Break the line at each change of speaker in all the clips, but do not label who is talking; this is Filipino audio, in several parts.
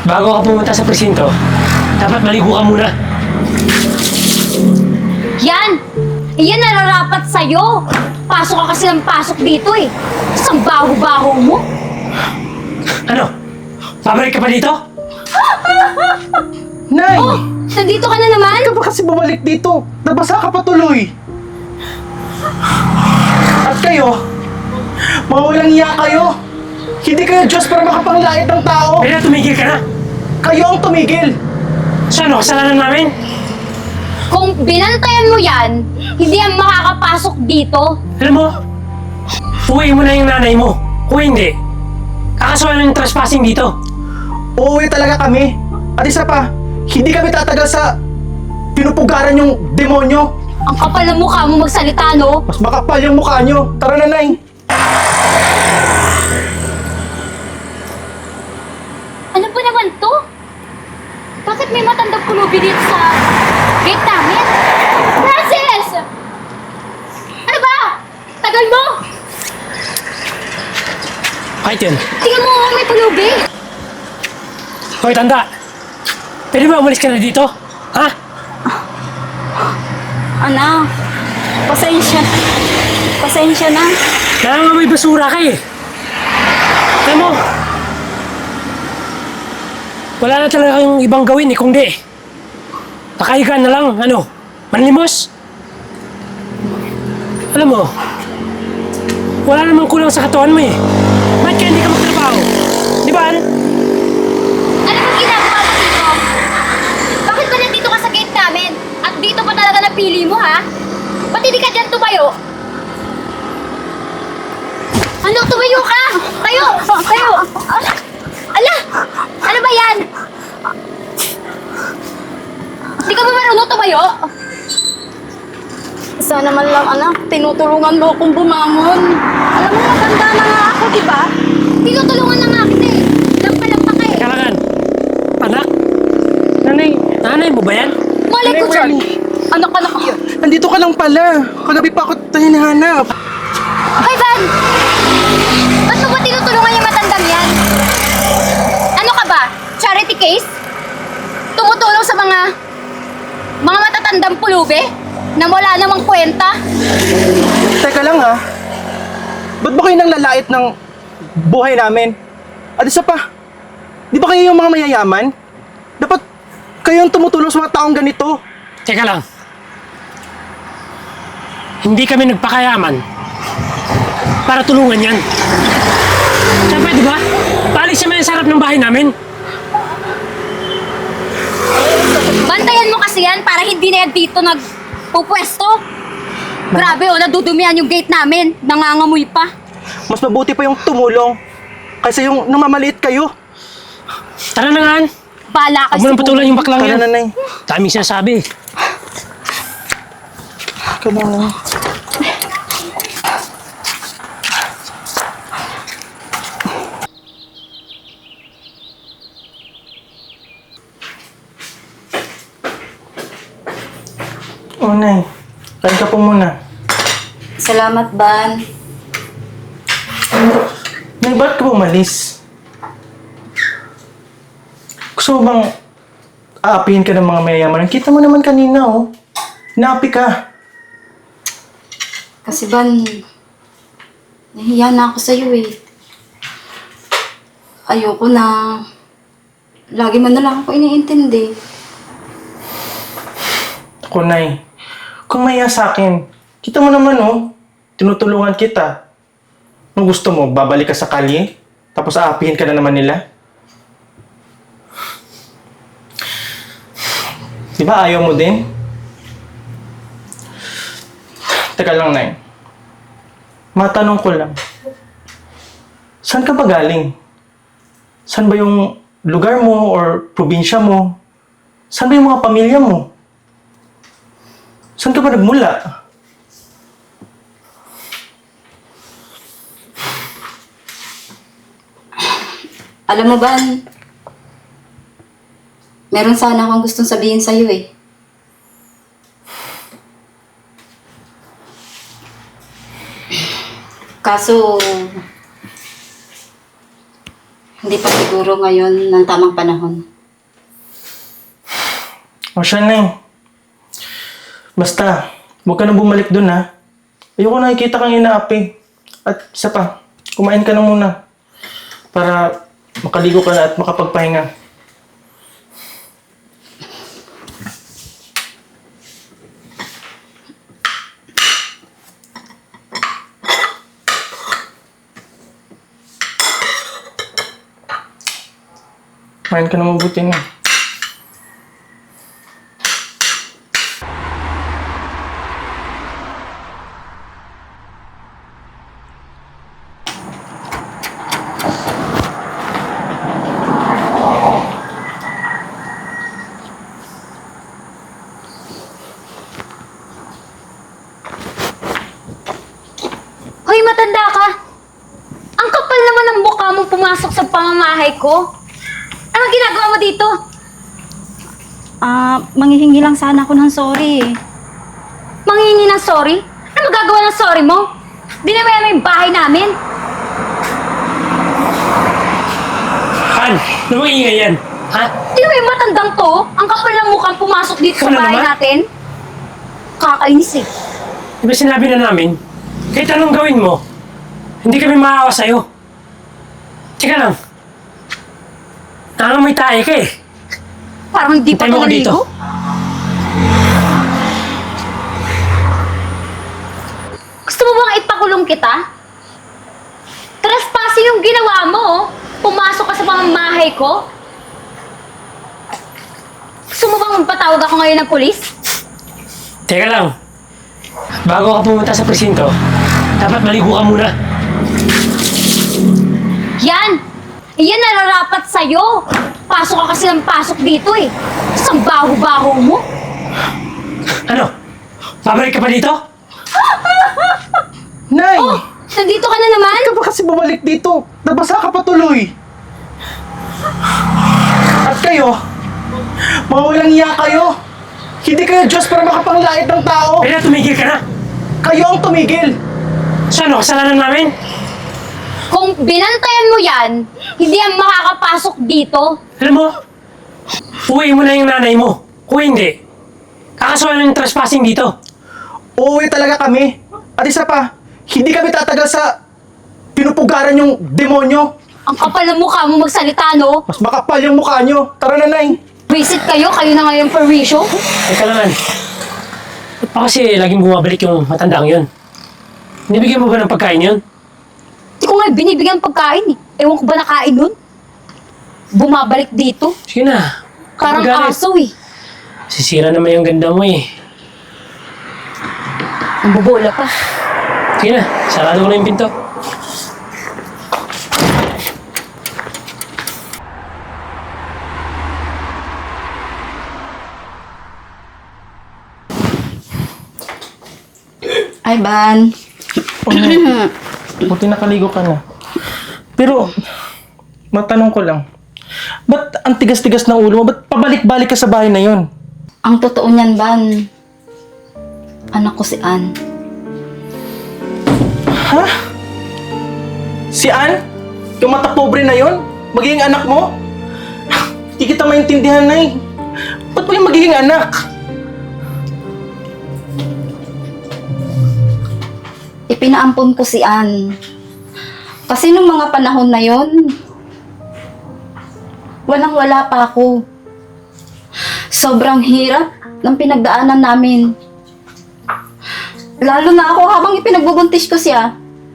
Bago ka pumunta sa presinto, dapat maligo ka muna.
Yan! Yan nararapat sa'yo! Pasok ka kasi ng pasok dito eh! Isang baho-baho mo!
Ano? Babalik ka pa dito?
Nay!
Oh! Nandito ka na naman?
Ka ba kasi bumalik dito? Nabasa ka pa tuloy! At kayo, mga walang iya kayo! Hindi kayo Diyos para makapanglait ng tao!
Kaya tumigil ka na!
Kayo ang tumigil!
So ano, kasalanan namin?
Kung binantayan mo yan, hindi yan makakapasok dito.
Alam mo, uwi mo na yung nanay mo. Kung hindi, kakasuhan ng trespassing dito.
Uuwi talaga kami! At isa pa, hindi kami tatagal sa pinupugaran yung demonyo!
Ang kapal ng mukha mo magsalita, no?
Mas makapal yung mukha nyo! Tara na, Nay!
Ano ba naman to? Bakit may matandang pulubi dito sa gate namin? Francis! Ano ba? Tagal mo!
Kahit yun.
Tingnan mo, may pulubi!
Hoy, tanda! Pwede ba umalis ka na dito? Ha?
Anak, pasensya. Pasensya na.
Nangangamoy basura ka eh. Alam mo, wala na talaga yung ibang gawin eh, kung di. Nakahiga na lang, ano, manlimos. Alam mo, wala namang kulang sa katawan mo eh. Ba't kaya hindi ka magtrabaho? Di ba, Ann?
Ano bang ginagawa mo dito? Bakit ba nandito ka sa gate namin? At dito pa talaga napili mo, ha? Ba't hindi ka dyan tumayo? Ano, tumayo ka? Tayo! Tayo! Ala! Ano ba yan? Hindi ka ba marunong tumayo?
Sana man lang, anak, tinutulungan mo akong bumangon. Alam mo, matanda na nga ako, di ba?
Tinutulungan na nga kita eh. Lampa-lampa ka eh.
Kailangan. Anak? Nanay mo ba yan?
Malay ko dyan.
Anak, anak.
Nandito ka lang pala! Kagabi pa ako tayo hinahanap!
Hoy, Van! Ba't mo ba tinutulungan yung matandang yan? Ano ka ba? Charity case? Tumutulong sa mga matatandang pulubi? Na wala namang kwenta?
Teka lang ha, ba't ba kayo nang lalait ng buhay namin? At isa pa, di ba kayo yung mga mayayaman? Dapat kayo ang tumutulong sa mga taong ganito.
Teka lang. Hindi kami nagpakayaman para tulungan yan. Siyempre, di ba? Paalis siya may sarap ng bahay namin.
Bantayan mo kasi yan para hindi na yan dito nagpupwesto. Grabe oh, nadudumihan yung gate namin. Nangangamoy pa.
Mas mabuti pa yung tumulong kaysa yung namamaliit kayo.
Tara na nga, Ann.
Bala ka
Huwag mo nang patulan yung baklang
Tara
yan.
na, Nay.
Daming sinasabi.
Tara na, Nay. Oh, Nay. Kain ka po muna.
Salamat, Ban.
Nay, ba't ka umalis? Gusto mo bang aapihin ka ng mga mayayaman? Kita mo naman kanina, oh. Naapi ka.
Kasi, Ban, nahiya na ako sa'yo eh. Ayoko na. Lagi mo na lang ako iniintindi.
Ako, Nay. Kung maya sa akin, kita mo naman, oh. Tinutulungan kita. Kung gusto mo, babalik ka sa kalye, tapos aapihin ka na naman nila. Di ba ayaw mo din? Teka lang, Nay. Matanong ko lang. Saan ka ba galing? Saan ba yung lugar mo or probinsya mo? Saan ba yung mga pamilya mo? Saan ka ba nagmula?
Alam mo, Ban, meron sana akong gustong sabihin sa'yo eh. Kaso, Hindi pa siguro ngayon ng tamang panahon.
O siya, Nay. Basta, huwag ka na bumalik dun, ha? Ayoko nakikita kang inaapi. At isa pa, kumain ka na muna. Para makaligo ka na at makapagpahinga. Kumain ka na mabuti na.
Hoy, matanda ka! Ang kapal naman ng mukha mo pumasok sa pamamahay ko. Anong ginagawa mo dito?
Manghihingi lang sana ako ng sorry.
Manghihingi ng sorry? Ano magagawa ng sorry mo? Dinamayan mo yung bahay namin.
Han, ano bang ingay yan? Ha?
Tingnan mo yung matandang to. Ang kapal ng mukha pumasok dito sa
Ano
bahay
naman?
natin. Kakainis eh.
Di ba sinabi na namin, kahit anong gawin mo, hindi kami maawa sa'yo. Teka lang. Nangangamoy tayo ka eh.
Parang hindi pa
Hintay mo
ito
ko dito.
naligo. Gusto mo bang ipakulong kita? Trespassing yung ginawa mo, oh. Pumasok ka sa pamamahay ko. Gusto mo bang magpatawag ako ngayon ng pulis?
Teka lang. Bago ka pumunta sa presinto, dapat maligo ka muna.
Yan! Yan nararapat sa'yo! Pasok ka kasi ng pasok dito eh. Isang baho-baho mo.
Ano? Babalik ka pa dito?
Nay!
Oh! Nandito ka na naman?
Ka ba kasi bumalik dito? Nabasa ka pa tuloy. At kayo, mga walang iya kayo. Hindi kayo Diyos para makapanglait ng tao.
Kaya tumigil ka na.
Kayo ang tumigil.
So ano, kasalanan namin?
Kung binantayan mo yan, hindi yan makakapasok dito.
Alam mo, uwi mo na yung nanay mo. Kung hindi, kakasuhan ng trespassing dito.
Uuwi talaga kami. At isa pa, hindi kami tatagal sa pinupugaran yung demonyo.
Ang kapal ng mukha mo magsalita, no?
Mas makapal yung mukha nyo. Tara na, Nay.
Visit kayo na ngayon for reshow.
Teka lang. Ba't pa kasi laging bumabalik yung matandang yun? Nibigyan mo ba ng pagkain yun?
Hindi ko nga binibigyan ng pagkain eh. Ewan ko ba nakain nun? Bumabalik dito.
Sige na.
Parang
Magalit.
aso eh.
Sisira naman yung ganda mo eh.
Ang bobola pa.
Sige na, sarado ko na yung pinto.
Ay, Ban.
Buti nakaligo ka na. Pero, matanong ko lang. Ba't ang tigas-tigas ng ulo mo? Ba't pabalik-balik ka sa bahay na yon?
Ang totoo niyan, Ban. Anak ko si Ann.
Ha? Si Ann? Yung mata pobre na yon? Magiging anak mo? Hindi kita maintindihan, Nay. Ba't mo yung magiging anak?
Ipinaampon ko si Ann. Kasi nung mga panahon na yon, walang-wala pa ako. Sobrang hirap ng pinagdaanan namin. Lalo na ako habang ipinagbubuntis ko siya.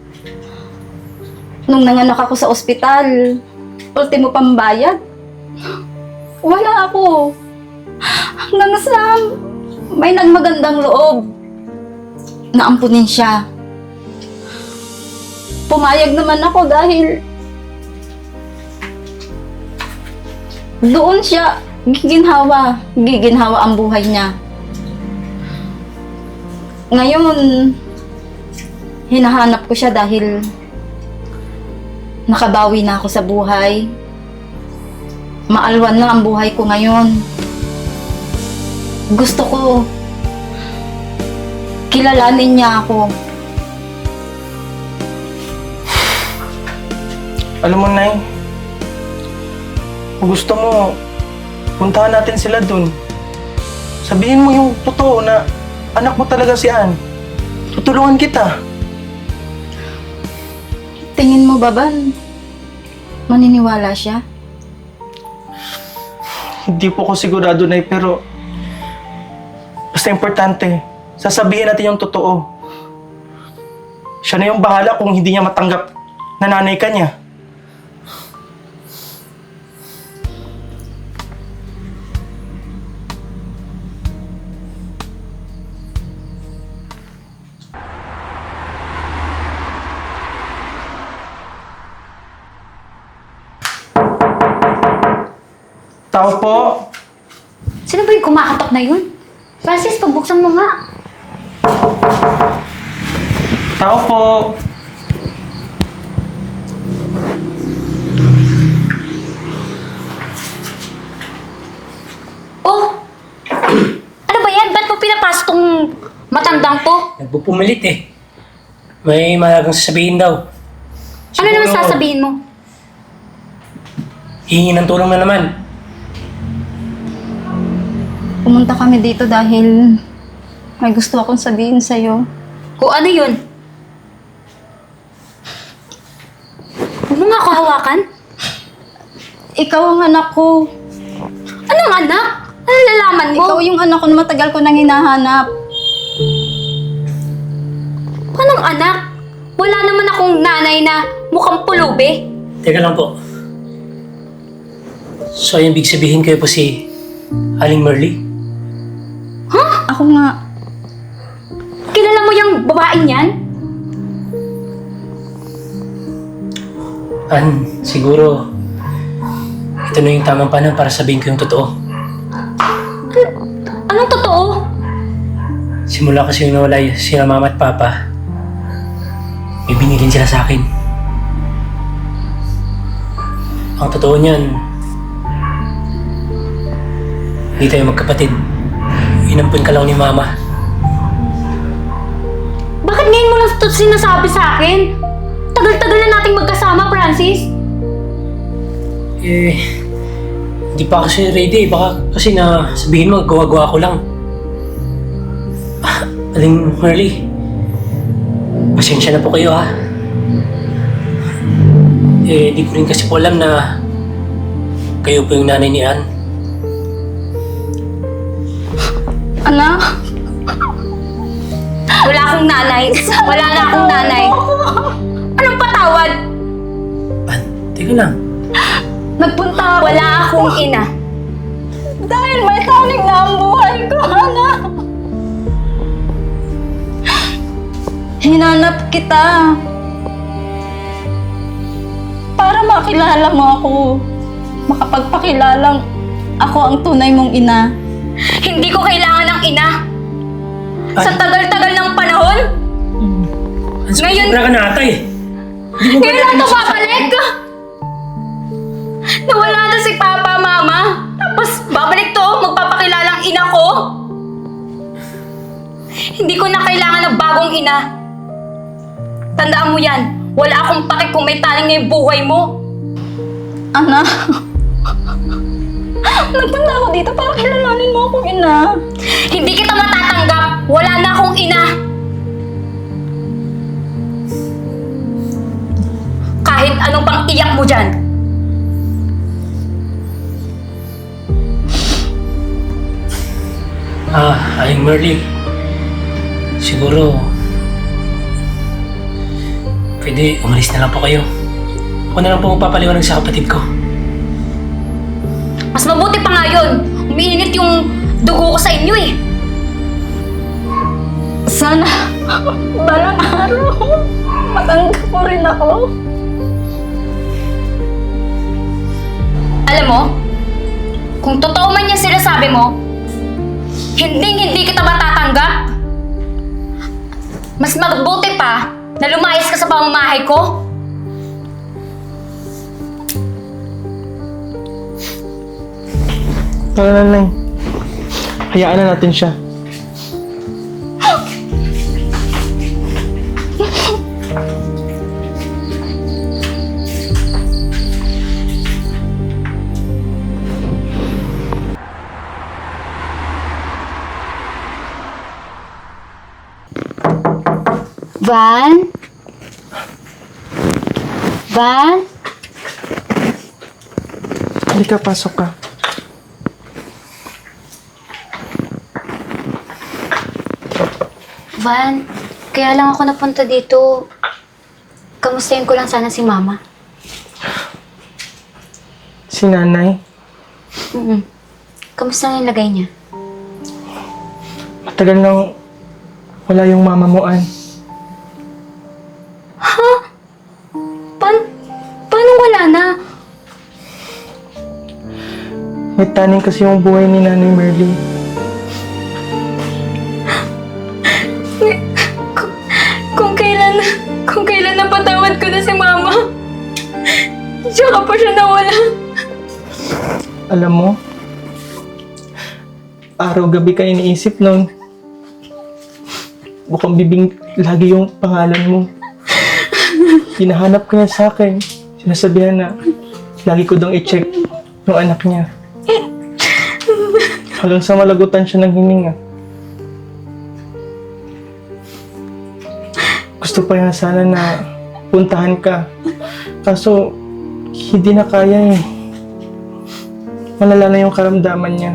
Nung nanganak ako sa ospital, ultimo pambayad, wala ako. Hanggang sa may nagmagandang loob na ampunin siya. Pumayag naman ako dahil doon siya giginhawa ang buhay niya. Ngayon, hinahanap ko siya dahil nakabawi na ako sa buhay. Maalwan na ang buhay ko ngayon. Gusto ko kilalanin niya ako.
Alam mo, Nay, Kung gusto mo, puntahan natin sila dun. Sabihin mo yung totoo na anak mo talaga si Ann. Tutulungan kita.
Tingin mo ba, Van? Maniniwala siya?
Hindi po ako sigurado, Nay, pero basta importante, sasabihin natin yung totoo. Siya na yung bahala kung hindi niya matanggap na nanay ka niya. Tao po.
Sino ba yung kumakatok na yun? Francis, pagbuksan mo nga.
Tao po.
Oh! Ano ba yan? Ba't mo pinapasok tong matandang to?
Nagpupumilit eh. May malagang sasabihin daw.
Ano naman sasabihin mo?
Hihingi ng tulong na naman.
Pumunta kami dito dahil may gusto akong sabihin sa'yo.
Kung ano yun? Huwag mo nga ako hawakan.
Ikaw ang anak ko.
Anong anak? Ano nalalaman mo?
Ikaw yung anak ko na matagal ko nang hinahanap.
Anong anak? Wala naman akong nanay na mukhang pulubi.
Teka lang po. So, yung big sabihin kayo po si Aling Merly?
Ako nga.
Kilala mo yung babaeng yan?
An, siguro, ito na yung tamang panahon para sabihin ko yung totoo.
Anong totoo?
Simula kasi yung nawala sila mama at papa, may binilin sila sa akin. Ang totoo niyan, hindi tayo magkapatid. Inampun ka lang ni mama.
Bakit ngayon mo lang ito sinasabi sa akin? Tagal-tagal na nating magkasama, Francis.
Hindi pa kasi ready. Baka kasi na sabihin mo, gawa-gawa ko lang. Aling Merly, pasensya na po kayo ha. Di ko rin kasi po alam na kayo po yung nanay ni Ann.
Anak?
Wala akong nanay. Wala na akong nanay. Anong patawad?
Ann, teka lang.
Nagpunta ako.
Wala akong ina.
Dahil may tanig na ang buhay ko, anak. Hinanap kita. Para makilala mo ako. Makapagpakilalang ako ang tunay mong ina.
Hindi ko kailangan ng ina. Sa tagal-tagal ng panahon,
Ann,
Ngayon-
sobra ka na ata eh. Hindi mo ba
ngayon lang ito babalik. Nawala na si Papa, Mama. Tapos babalik to, magpapakilalang ina ko. Hindi ko na kailangan ng bagong ina. Tandaan mo yan. Wala akong pake kung may taling na yung buhay mo.
Anak. Nagpunta ako dito para kilalanin mo akong ina.
Hindi kita matatanggap. Wala na akong ina. Kahit anong pang iyak mo dyan.
Aling Merly, siguro, pwede umalis na lang po kayo. Ako na lang po magpapaliwanag sa kapatid ko.
Mas mabuti pa nga yun. Umiinit yung dugo ko sa inyo eh.
Sana balang araw matanggap mo rin ako.
Alam mo, kung totoo man yung sinasabi mo, hindi kita matatanggap. Mas mabuti pa na lumayas ka sa pamamahay ko.
Wala na, Nay. Hayaan na natin siya.
Van? Van?
Halika, pasok ka.
Van, kaya lang ako napunta dito. Kamustahin ko lang sana si Mama.
Si nanay,
Kamusta ang lagay niya?
matagal nang wala yung mama mo, Ann.
Paano wala na?
May taning kasi yung buhay ni Nanay Merly.
Kung kailan napatawad ko na si Mama, tsaka pa siya nawala.
Alam mo, araw-gabi ka iniisip nun. Bukang bibing lagi yung pangalan mo. Hinahanap ka niya sa akin. Sinasabihan na lagi ko dong i-check yung anak niya. Hanggang sa malagutan siya ng hininga. Gusto pa niya sana na puntahan ka. Kaso, hindi na kaya eh. Malala na yung karamdaman niya.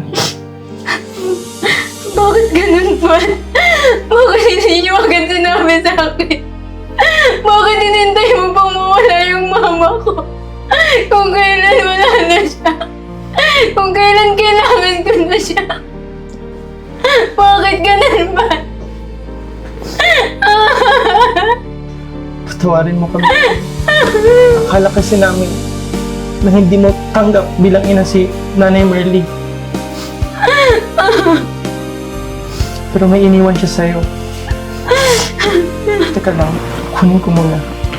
Bakit ganun pa? Bakit hindi niyo agad sinabi sa akin? Bakit hinintay mo pang mawala yung mama ko? Kung kailan wala na siya. Kung kailan kailangan ko na siya. Bakit ganun ba?
Patawarin mo kami. Akala kasi namin na hindi mo tanggap bilang ina si Nanay Merly. Pero may iniwan siya sa'yo. Teka lang, kunin ko muna.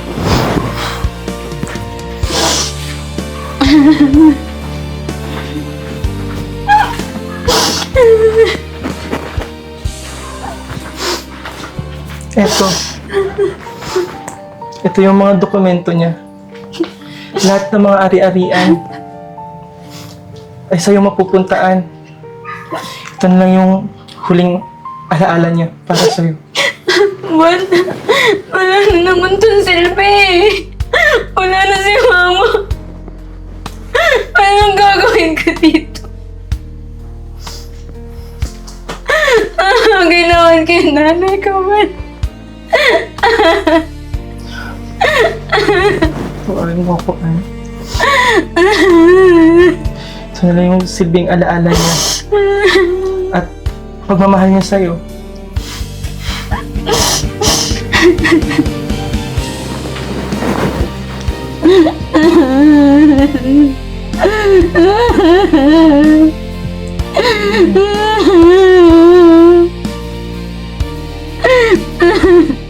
Eto. Ito yung mga dokumento niya. Lahat ng mga ari-arian ay sa'yo mapupuntaan. Ito na lang yung huling alaala niya para sa'yo.
Wala na naman itong silbi. Wala na si Mama. Anong gagawin ko dito? Ginawan kay nanay ko man.
Tuwarin mo ako, Ann. Ito na lang yung silbing alaala niya. At pagmamahal niya sa'yo.
Ah!